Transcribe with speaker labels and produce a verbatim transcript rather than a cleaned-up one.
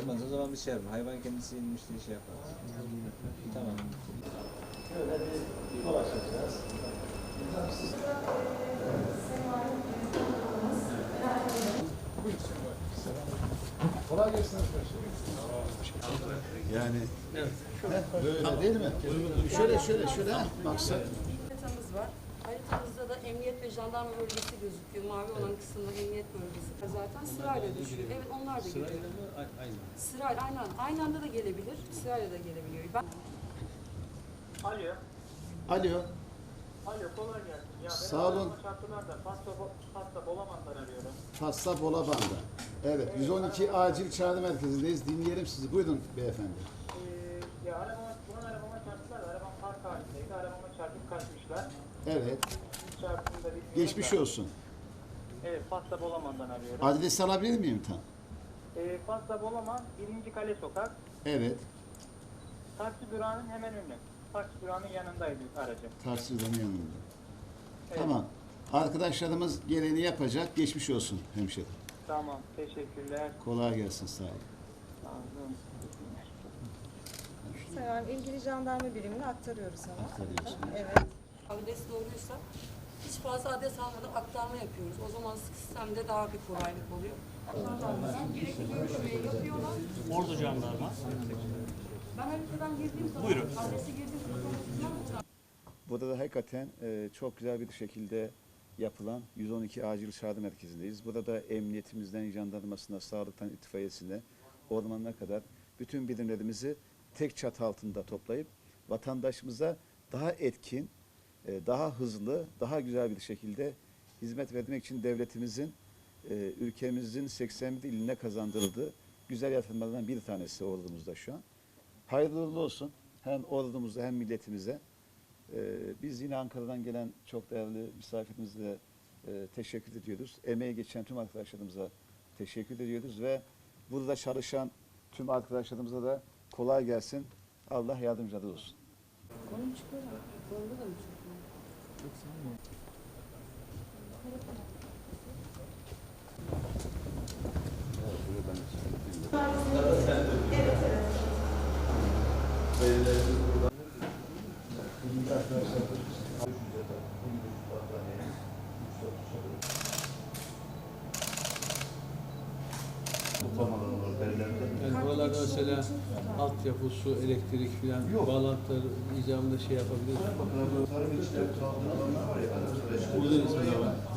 Speaker 1: Gelmez o zaman bir şey yapalım. Hayvan kendisi inmiş diye şey yapar. Tamam.
Speaker 2: Şöyle bir dolaşacağız. Kolay gelsin arkadaşlar. Yani böyle değil mi? Şöyle şöyle şöyle baksana.
Speaker 3: Haritamız var. Haritamızda da emniyet ve jandarma bölgesi gözüküyor. Mavi olan kısımda emniyet bölgesi. Zaten sırayla düşüyor. Evet, onlar da geliyor.
Speaker 1: Aynı.
Speaker 3: Sırayla, aynı, aynı anda da gelebilir. Sırayla da gelebiliyor. Ben...
Speaker 4: Alo.
Speaker 2: Alo.
Speaker 4: Alo, kolay gelsin. Ya
Speaker 2: Sağ olun.
Speaker 4: Çarptılar da pasta, pasta Bolaman'dan arıyorum.
Speaker 2: Fasla Bolaban'da. Evet, yüz on iki acil çağrı merkezindeyiz. Dinleyelim sizi. Buyurun beyefendi.
Speaker 4: Ee, ya arabama, bunun arabama çarptılar da arabam park halindeydi. Arabama çarpıp kaçmışlar.
Speaker 2: Evet.
Speaker 4: Çarptığında bilmiyorum
Speaker 2: Geçmiş
Speaker 4: da.
Speaker 2: olsun.
Speaker 4: Evet, pasta Bolaman'dan arıyorum.
Speaker 2: Adresi alabilir miyim tam?
Speaker 4: Ee, pasta Bolaman, birinci Kale Sokak.
Speaker 2: Evet.
Speaker 4: Taksi durağının hemen önü. Taksi durağının yanındaydı aracım.
Speaker 2: Taksirden yanında.
Speaker 4: Evet.
Speaker 2: Tamam. Arkadaşlarımız gereğini yapacak. Geçmiş olsun hemşerim.
Speaker 4: Tamam, teşekkürler.
Speaker 2: Kolay gelsin, sağ olun.
Speaker 4: Sağ olun.
Speaker 5: Sayın ilgili jandarma birimine aktarıyoruz ama.
Speaker 2: Aktarıyorsun.
Speaker 5: Evet.
Speaker 3: Adres doğruysa hiç fazla adres almadan aktarma yapıyoruz. O zaman sistemde daha bir kolaylık oluyor. Jandarmadan direkt görüşmeyi yapıyorlar.
Speaker 6: Ordu Jandarma.
Speaker 3: Ben haritadan girdiğim zaman,
Speaker 6: Buyurun.
Speaker 3: adresi girdiğim zaman
Speaker 2: Burada da hakikaten e, çok güzel bir şekilde yapılan yüz on iki acil çağrı merkezindeyiz. Burada da emniyetimizden, jandarmasına, sağlıktan, itfaiyesine, ormanına kadar bütün birimlerimizi tek çatı altında toplayıp vatandaşımıza daha etkin, e, daha hızlı, daha güzel bir şekilde hizmet vermek için devletimizin, e, ülkemizin seksen bir iline kazandırıldığı güzel yatırımlardan bir tanesi ordumuzda şu an. Hayırlı uğurlu olsun hem ordumuza hem milletimize. Ee, biz yine Ankara'dan gelen çok değerli misafirimize e, teşekkür ediyoruz. Emeği geçen tüm arkadaşlarımıza teşekkür ediyoruz ve burada çalışan tüm arkadaşlarımıza da kolay gelsin. Allah yardımcıları olsun.
Speaker 3: Konum çıkıyor mu? Konumda da mı çıkıyor?
Speaker 7: Yani buralarda mesela altyapı, su, elektrik filan bağlantıları icabında şey yapabiliriz. Burada mesela var.